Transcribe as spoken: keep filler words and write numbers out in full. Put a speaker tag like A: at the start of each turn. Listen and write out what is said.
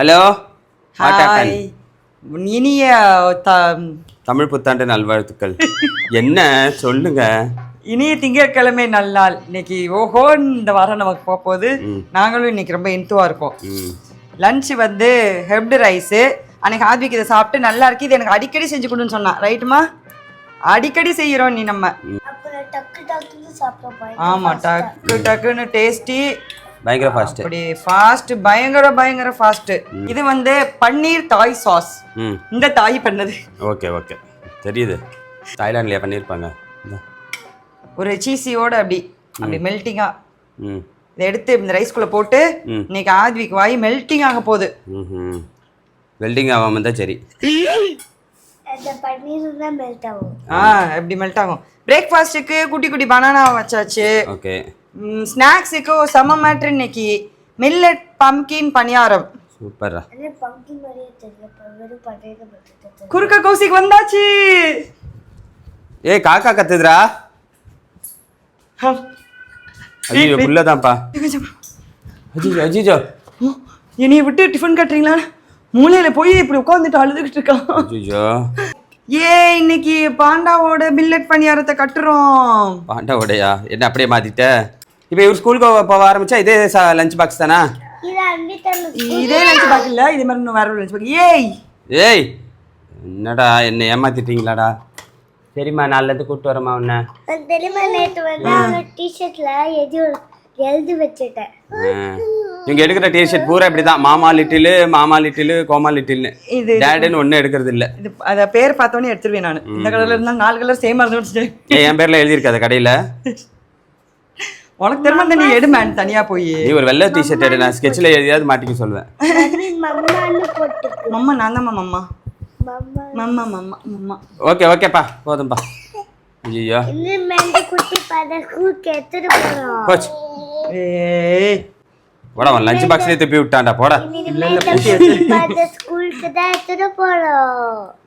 A: Hello
B: hi. இனிய த-
A: தமிழ் புத்தாண்டு நல்வாழ்த்துக்கள். என்ன சொல்லுங்க.
B: இனிய திங்கட்கிழமை நல்லாள். இன்னைக்கு ஓஹோ இந்த வாரம் நமக்கு போக போகுது. நாங்களும் இன்னைக்கு ரொம்ப இன்த்துவா இருக்கோம்.
A: ம்
B: லஞ்ச் வந்து ஹெப்டு ரைஸு. அன்னைக்கு ஆத்விக் இதை சாப்பிட்டு நல்லா இருக்கு, இது எனக்கு அடிக்கடி செஞ்சு கொடுன்னு சொன்னான். ரைட்டுமா? அடிக்கடி செய்கிறோம் நீ நம்ம. ஆமா, டக்கு டக்குன்னு டேஸ்டி,
A: பயங்கர ஃபாஸ்ட்.
B: அப்படி ஃபாஸ்ட், பயங்கர பயங்கர ஃபாஸ்ட். இது வந்து பன்னீர் தாய் சாஸ்.
A: ம்
B: இந்த தாய் பண்ணது.
A: ஓகே ஓகே தெரியுது. தாய்லாண்ட்லயே பண்ணியிருப்பாங்க. இந்தா.
B: ஒரு சீசியோட அப்படி அப்படி மெல்ட்டிங்கா
A: ம்
B: இதை எடுத்து இந்த ரைஸ்குள்ள போட்டு
A: ம்.
B: இன்னைக்கு ஆத்விக் வாய் மெல்ட்டிங் ஆக போகுது.
A: ம் வெல்டிங் ஆகாம இருந்தால் சரி.
B: ஆ எப்படி மெல்ட் ஆகும். பிரேக்ஃபாஸ்ட்டுக்கு குட்டி குட்டி பனானா வச்சாச்சு.
A: ஓகே.
B: ஸ்நாக்ஸுக்கு செம மேட்ரு இன்னைக்கு. Millet pumpkin paniyaram.
A: சூப்பரா.
B: குறுக்க கௌசிக் வந்தாச்சு.
A: ஏய் காக்கா கத்துதுடா. ஐயோ புள்ளதான்ப்பா. அஜிஜோ அஜிஜோ.
B: என்னைய விட்டு டிஃபன் கட்டுறீங்களா? மூலையில போய் இப்படி உட்காந்துட்டு அழுதுகிட்டு இருக்கான்.
A: அஜிஜோ.
B: ஏ இன்னைக்கு பாண்டாவோட மில்லட் பணியாரத்தை கட்டுறோம்.
A: பாண்டாவோடையா? என்ன அப்படியே மாத்திட்ட? இப்போ இவர் ஸ்கூலுக்கு போக ஆரம்பிச்சா இதே லஞ்ச் பாக்ஸ் தானா?
B: இதே லஞ்ச் பாக்ஸ் இல்ல, இது மாதிரி இன்னும் வேற ஒரு லஞ்ச் பாக்ஸ். ஏய்
A: ஏய் என்னடா என்ன ஏமாத்திட்டீங்களாடா? சரிம்மா நாலுலேருந்து கூப்பிட்டு வரமா உன்ன.
C: தெரியுமா, நேற்று வந்து அவங்க டிஷர்ட்ல எது எழுதி வச்சுட்டேன்.
A: இவங்க எடுக்கிற டிஷர்ட் பூரா இப்படிதான். மாமா லிட்டிலு, மாமா லிட்டிலு, கோமா லிட்டில்னு.
B: இது
A: டேடுன்னு ஒன்றும் எடுக்கிறது இல்லை.
B: இது அத பேர் பார்த்தோன்னே எடுத்துருவேன் நான். இந்த கலர்ல இருந்தா நாலு கலர் சேமா இருந்து வச்சுட்டேன்.
A: ஏன் என் பேர்ல எழுதியிருக்காத கடையில்?
B: உனக்கு தெரியுமா நீ எடு மேன் தனியா போய்.
A: நீ ஒரு வெள்ளை டிஷர்ட் எடு, நான் ஸ்கெட்சில் எழுதியாவது மாட்டிக்க சொல்லுவேன்.
C: மம்மான்னு போட்டு
B: மம்மா நான் தான் mamma.
C: Mamma
B: mamma mamma mamma.
A: Okay ஓகேப்பா போதும்பா. ஐயோ
C: இன்னும் மேல குட்டி பாத ஸ்கூலுக்கு எடுத்துட்டு போறோம்.
A: போச்சு.
B: ஏய்
A: போடா அவன் லஞ்ச் பாக்ஸ்லேயே திருப்பி விட்டான்டா. போடா.
B: இல்ல இல்ல
C: குட்டி பாத ஸ்கூலுக்கு தான் எடுத்துட்டு போறோம்.